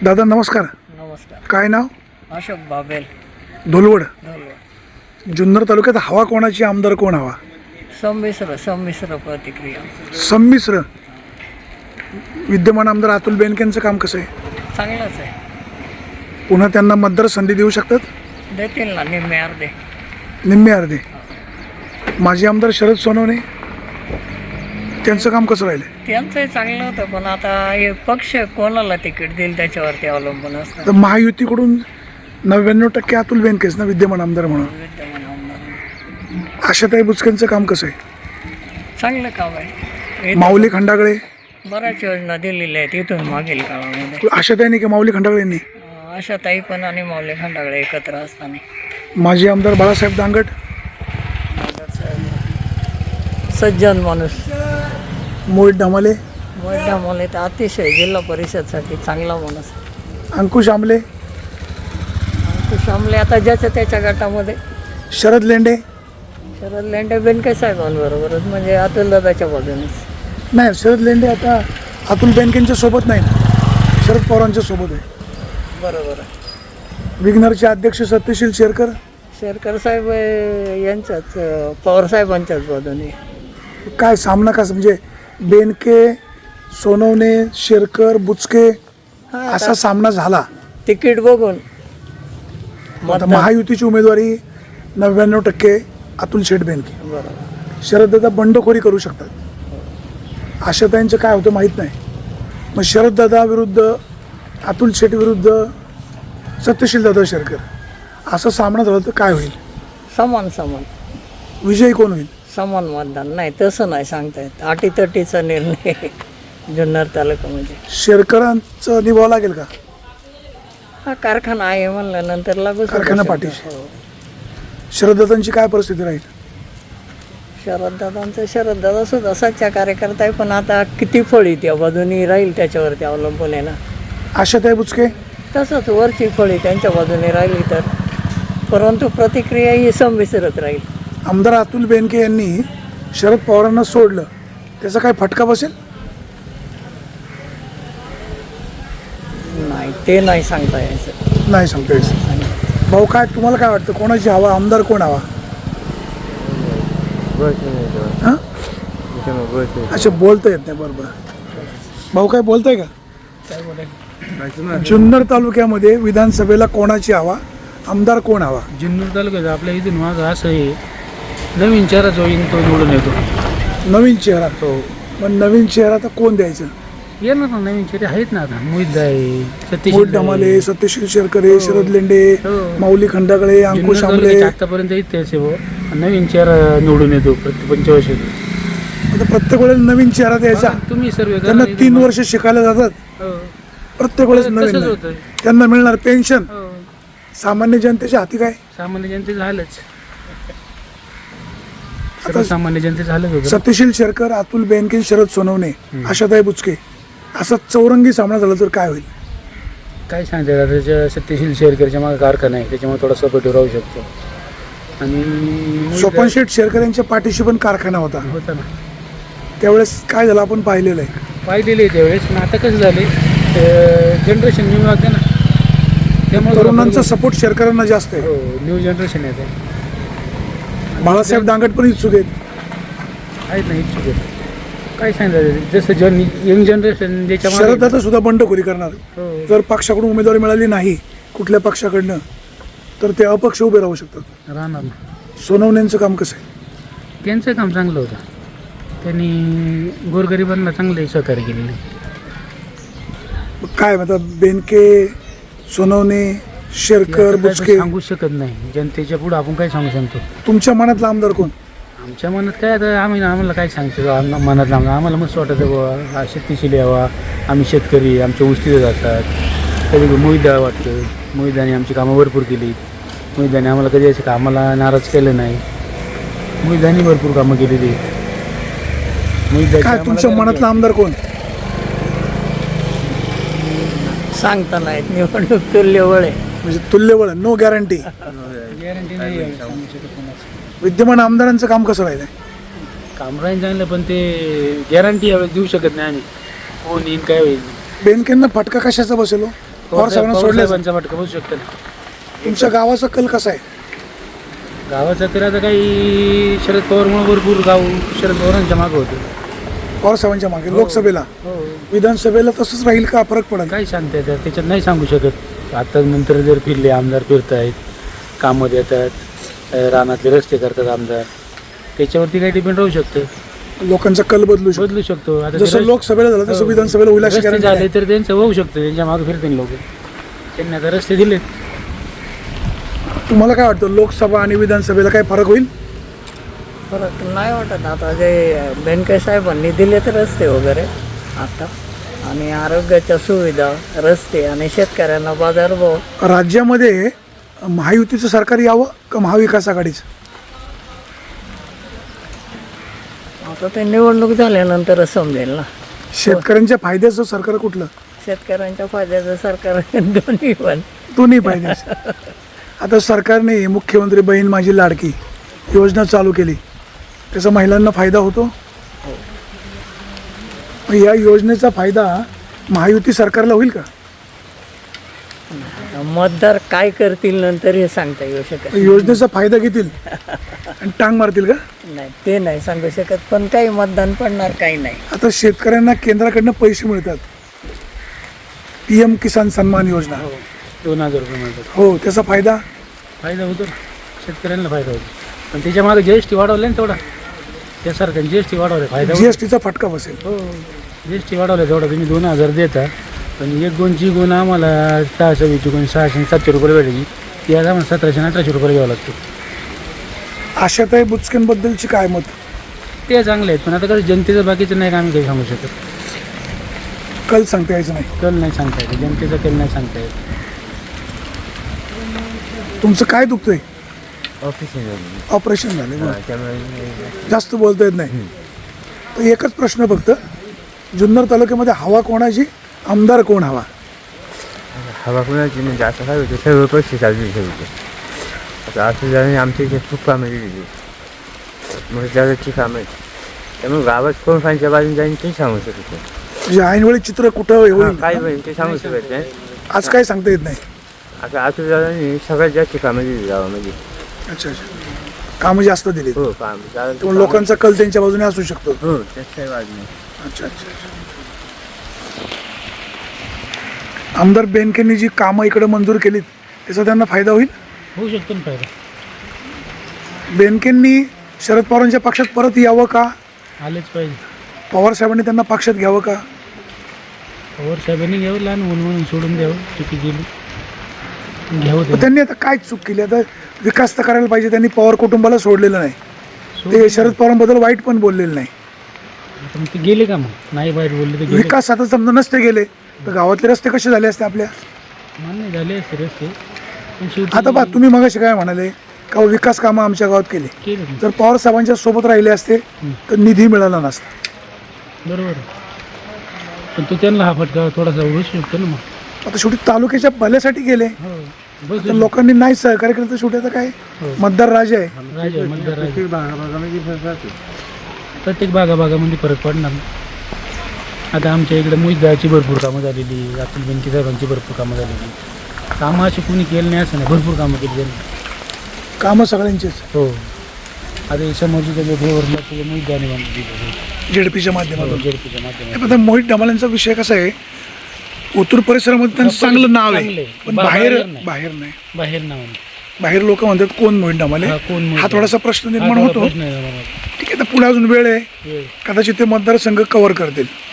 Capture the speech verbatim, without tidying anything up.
दादा नमस्कार. नमस्कार. काय नाव? अशोक बाबेल, धोलवड. धोलवड. जुन्नर तालुक्यात हवा कोणाची, आमदार कोण हवा? संमिश्र संमिश्र प्रतिक्रिया. संमिश्र. विद्यमान आमदार अतुल बेनकेंचं काम कसं आहे? चांगलंच आहे. पुन्हा त्यांना मतदार संधी देऊ शकतात? देतील ना, निम्मे अर्धे. निम्मे अर्धे. माजी आमदार शरद सोनवणे त्यांचं काम कसं राहिलं? त्यांचंही चांगलं होतं, पण आता हे पक्ष कोणाला तिकीट देईल त्याच्यावरती अवलंबून असतं. तर महायुतीकडून नव्याण्णव टक्के अतुल बेनकेच ना विद्यमान आमदार म्हणून. विद्यमान आमदार आशाताई बुचकेंचं काम कसं आहे? चांगलं काम आहे. माऊली खंडागळे. बऱ्याच योजना दिलेल्या आहेत इथून मागील काळामध्ये. आशाताईंनी की माऊली खंडागळेंनी? अशा ताई पण आणि माऊली खंडागळे एकत्र असताना. माजी आमदार बाळासाहेब दांगट. सज्जन माणूस. मोहित ढमाले. मोठ्या मुले तर अतिशय जिल्हा परिषदसाठी चांगला माणूस. अंकुश आमले. अंकुश आमले आता ज्याच्या त्याच्या गटामध्ये. शरद लेंडे. शरद लेंडे बेनके साहेबांबरोबरच, म्हणजे अतुल दादाच्या बाजूनेच. नाही, शरद लेंडे आता अतुल बेनकेंच्या सोबत नाही ना, शरद पवारांच्या सोबत आहे. बरोबर आहे. विग्नरचे अध्यक्ष सत्यशील शेरकर. शेरकर साहेब यांच्याच, पवार साहेबांच्याच बाजूने. काय सामना कसं, म्हणजे बेनके, सोनवणे, शेरकर, बुचके असा सामना झाला. तिकीट बघून आता महायुतीची उमेदवारी नव्याण्णव टक्के अतुल शेठ बेनके. बरोबर. शरददादा बंडखोरी करू शकतात. आशाताईंचं काय होतं माहीत नाही. मग शरददादा विरुद्ध अतुल शेठ विरुद्ध सत्यशील दादा शेरकर असा सामना झाला तर काय होईल? समान समान. विजयी कोण होईल? समान मतदान. नाही तसं नाही सांगता येत. अटीतटीचा निर्णय जुन्नर तालुक्यामध्ये. शेरकरांचं निभावं लागेल का? हा कारखाना आहे म्हणल्यानंतर लागू. कारखाना पाठीशी. शरददादांची काय परिस्थिती राहील? शरददादांचं शरददादा सुद्धा सच्चा कार्यकर्ता आहे, पण आता किती फळी त्या बाजूनी राहील त्याच्यावरती अवलंबून आहे ना. आशाताई बुचके. तसंच वरची फळी त्यांच्या बाजूने राहिली तर, परंतु प्रतिक्रिया ही संमिश्रच राहील. आमदार अतुल बेनके यांनी शरद पवारांना सोडलं, त्याचा काय फटका बसेल? नाही, ते नाही सांगता यायचं. नाही सांगता यायचं. भाऊ काय तुम्हाला काय वाटतं, कोणाची हवा, आमदार कोण हवा? हां, अच्छा बोलता येत नाही. बरोबर. भाऊ काय बोलताय का? जुन्नर तालुक्यामध्ये विधानसभेला कोणाची हवा, आमदार कोण हवा? जुन्नर तालुक्यात आपल्या इथून माझं असं आहे, नवीन चेहरा जो येईन तो निवडून येतो. नवीन चेहरा. हो. मग नवीन चेहरा तर कोण द्यायचं? येणार ना, नवीन चेहरे आहेत ना. आता मोहित आहे, सतीश मोहित ढमाले, सत्यशील शेरकरे, शरद लेंडे, हो. माऊली खंडागळे, अंकुश आमले. आतापर्यंत इतिहास आहे. नवीन चेहरा निवडून येतो प्रत्येक पंचवर्षात. आता प्रत्येक वेळेस नवीन चेहरा द्यायचा. तुम्ही सर्व त्यांना तीन वर्ष शिकायला जातात. प्रत्येक वेळेस नवीन होतं. त्यांना मिळणार पेन्शन. सामान्य जनतेच्या हाती काय? सामान्य जनते झालंच. आता सामान्य जनते झालंच होतं. सत्यशील शेरकर, अतुल बेनके, शरद सोनवणे, आशाताई बुचके असा चौरंगी सामना झाला तर काय होईल? काय सांगते, त्याच्या सत्यशील शेरकरच्या मागे कारखाना आहे, त्याच्यामुळे थोडा सपोर्टिव्ह राहू शकतो. आणि सोपन शेठ शेरकर यांच्या पाठीशी पण कारखाना होता होता ना. त्यावेळेस काय झालं आपण पाहिलेलं आहे. पाहिलेले आहे त्यावेळेस. पण आता कसं झाले, जनरेशन न्यू लागते ना, त्यामुळे तरुणांचा सपोर्ट शेरकरांना जास्त आहे. हो, न्यू जनरेशन आहे ते. बाळासाहेब दांगट पण इच्छुक आहेत. आहेत ना इच्छुक आहेत. काय सांगायचं, जसं जन यंग जनरेशन ज्याच्या शरददादा सुद्धा बंडखोरी करणार. हो. जर पक्षाकडून उमेदवारी मिळाली नाही कुठल्या पक्षाकडनं तर ते अपक्ष उभे राहू शकतात. राहणार ना. सोनवण्यांचं काम कसं आहे? त्यांचं काम चांगलं होतं. त्यांनी गोरगरिबांना चांगले सहकार्य केलेले. काय म्हणतात, बेनके, सोनवणे, शेरकर, बुचके सांगू शकत नाही. जनतेच्या पुढे आपण काय सांगू शकतो? तुमच्या मनातला आमदार कोण? आमच्या मनात काय, आता आम्ही आम्हाला काय सांगतो आम मनातला आमदार आम्हाला मस्त वाटतं बाबा, हा शेतीशील यावा. आम्ही शेतकरी, आमच्या उस्तीला जातात. कधी मोहितदा वाटतं, मोहितदाने आमची कामं भरपूर केली. मोहितदाने आम्हाला कधी असं कामाला नाराज केलं नाही. मोहितदाने भरपूर कामं केलेली. काय तुमच्या मनातला आमदार कोण? सांगता नाहीत. निवडणूक तुल्यबळ आहे. म्हणजे तुल्यबळ, नो गॅरंटी. गॅरंटी नाही. विद्यमान आमदारांचं काम कसं राहिलं? काम राहील चांगलं, पण ते गॅरंटी यावेळेस देऊ शकत नाही आम्ही. कोण येईन काय होईल. बेनकेंना फटका कशाचा बसेल? पवार साहेबांना सोडले साहेबांचा फटका बसू शकतो ना. तुमच्या गावाचा कल कसा आहे? गावाचा तर आता काही शरद पवारमुळे भरपूर गाव शरद पवारांच्या मागं होतं. पवार साहेबांच्या मागे लोकसभेला हो विधानसभेला तसंच राहील का फरक पडेल? काही सांगता येतात त्याच्यात नाही सांगू शकत. आता नंतर जर फिरले आमदार फिरत आहेत, कामं देतात, अं, रानातले रस्ते करतात आमदार, त्याच्यावरती काही डिपेंड राहू शकतं, लोकांचा कल बदलू शकतो. बदलू शकतो. आता जसं ते लोकसभेला झालं तसं हो. विधानसभेला होईल अशी रस्ते guarantee झाले नाही. तर त्यांचं होऊ शकतं, त्यांच्या मागे फिरतील लोक. त्यांनी आता रस्ते दिलेत. तुम्हाला काय वाटतं लोकसभा आणि विधानसभेला काय फरक होईल? फरक नाही वाटत. आता जे बेनके साहेबांनी दिले तर रस्ते वगैरे आता, आणि आरोग्याच्या सुविधा, रस्ते आणि शेतकऱ्यांना बाजारभाव. राज्यामध्ये महायुतीचं सरकार यावं का महाविकास आघाडीचं? आता ते निवडणूक झाल्यानंतरच समजेल ना. शेतकऱ्यांच्या फायद्याचं सरकार कुठलं? शेतकऱ्यांच्या फायद्याचं सरकार दोन्ही पण. दोन्ही फायद्याचं. आता सरकारने मुख्यमंत्री बहीण माझी लाडकी योजना चालू केली, त्याचा महिलांना फायदा होतो. मग या योजनेचा फायदा महायुती सरकारला होईल का? मतदार काय करतील नंतर हे सांगता येऊ शकत योजनेचा फायदा घेतील आणि टांग मारतील का? नाही, ते नाही सांगू शकत. पण काही मतदान पडणार, काही नाही. आता शेतकऱ्यांना केंद्राकडनं पैसे मिळतात, पी एम किसान सन्मान योजना. दोन हजार रुपये मिळतात. हो, त्याचा फायदा फायदा होतो ना, शेतकऱ्यांना फायदा होतो. पण त्याच्या मागे जी एस टी वाढवले ना तेवढा, त्या सरकारने जी एस टी वाढवले, फायदा होतो. जीएसटीचा फटका बसेल. हो, जी एस टी वाढवलं तेवढा. तुम्ही दोन हजार देता, पण एक दोनची गुण आम्हाला सहाशे वीसची गुण सहाशे सातशे रुपये भेटायची, ती आज आम्हाला सतराशे आणि अठराशे रुपये घ्यावं लागतं. आशाताई बुचकेंबद्दलची काय मत? ते चांगले आहेत, पण आता कसं जनतेचं बाकीचं नाही का आम्ही काही सांगू शकत. कल सांगता यायचं नाही. कल नाही सांगता येत, जनतेचा कल नाही सांगता येत. तुमचं काय दुखतंय? ऑफिस ऑपरेशन झाले बरं. त्यामुळे जास्त बोलता येत नाही. तर एकच प्रश्न फक्त, जुन्नर तालुक्यामध्ये हवा कोणाची, आमदार कोण हवा? हवा कुणाची म्हणजे असं काय होतं, सर्व पैसे चालू ठेवते. आता असं झालं आमच्या इथे खूप कामं दिली, मग जागाची कामं आहेत. त्यामुळे गावात कोण फायच्या बाजून जाईन ते सांगू शकत नाही. म्हणजे ऐनवेळी चित्र कुठं हा, होईल काय होईल ते सांगू शकत नाही. आज काय सांगता येत नाही. आता असं झालं सगळ्यात जास्त कामं दिली गावामध्ये. अच्छा अच्छा, कामं जास्त दिली, हो काम झालं. त्यामुळे लोकांचा कल त्यांच्या बाजूने असू शकतो. हो त्यात काही वाद नाही. अच्छा अच्छा अच्छा. आमदार बेनकेंनी जी कामं इकडे मंजूर केलीत त्याचा त्यांना फायदा होईल? होऊ शकतो ना फायदा. बेनकेंनी शरद पवारांच्या पक्षात परत यावं का? आलेच पाहिजे. पवार साहेबांनी त्यांना पक्षात घ्यावं का? पवार साहेबांनी घ्यावं, लहान मुलं म्हणून सोडून द्यावं, चुकी गेली घ्यावं पण ते. त्यांनी आता काय चूक केली? आता विकास तर करायला पाहिजे. त्यांनी पवार कुटुंबाला सोडलेलं नाही, ते शरद पवारांबद्दल वाईट पण बोललेलं नाही. पण ते गेले का मग? नाही बाहेर बोलले तर गेले. विकास आता समजा नसते गेले तर गावातले रस्ते कसे झाले असते आपल्या? मान्य झाले असते रस्ते, पण शेवटी आता बा तुम्ही मगाशी काय म्हणाले का विकास कामं आमच्या गावात केली. केलं नाही. जर पवार साहेबांच्या सोबत राहिले असते तर निधी मिळाला नसता. बरोबर. पण तो त्यांना हा फटका थोडासा बसू शकतो ना मग. आता शेवटी तालुक्याच्या भल्यासाठी गेले, हो तर बसू लोकांनी नाही सहकार्य केलं तर शेवटी आता काय, मतदार राजा आहे. राजा मतदार राजा. प्रत्येक भागाभागामध्ये फरक पडणार ना. आता आमच्या इकडे मोहितदाची भरपूर कामं झालेली, अतुल बेनके साहेबांची भरपूर कामं झालेली. कामं अशी कुणी केलं नाही असं नाही, भरपूर कामं केली त्यांनी. कामं सगळ्यांचीच हो. आता हे समोरची त्याच्या फेवरला त्याच्या मोहितदाने बांधून दिलं जेडपीच्या माध्यमातून. जेडपीच्या माध्यमातून. आता मोहित डमालेंचा विषय कसा आहे, ओतूर परिसरामध्ये त्यांचं चांगलं नाव आहे, चांगलं आहे. पण बा- बाहेर बाहेर नाही. बाहेर नाही. बाहेर नाव बाहेर लोक म्हणतात कोण मोहित डमाले, हा, कोण मोहित हा थोडासा प्रश्न निर्माण हा, होतो. प्रश्न आहे आम्हाला. ठीक आहे, तर पुढे अजून वेळ आहे, वेळ. कदाचित ते मतदारसंघ कव्हर करतील.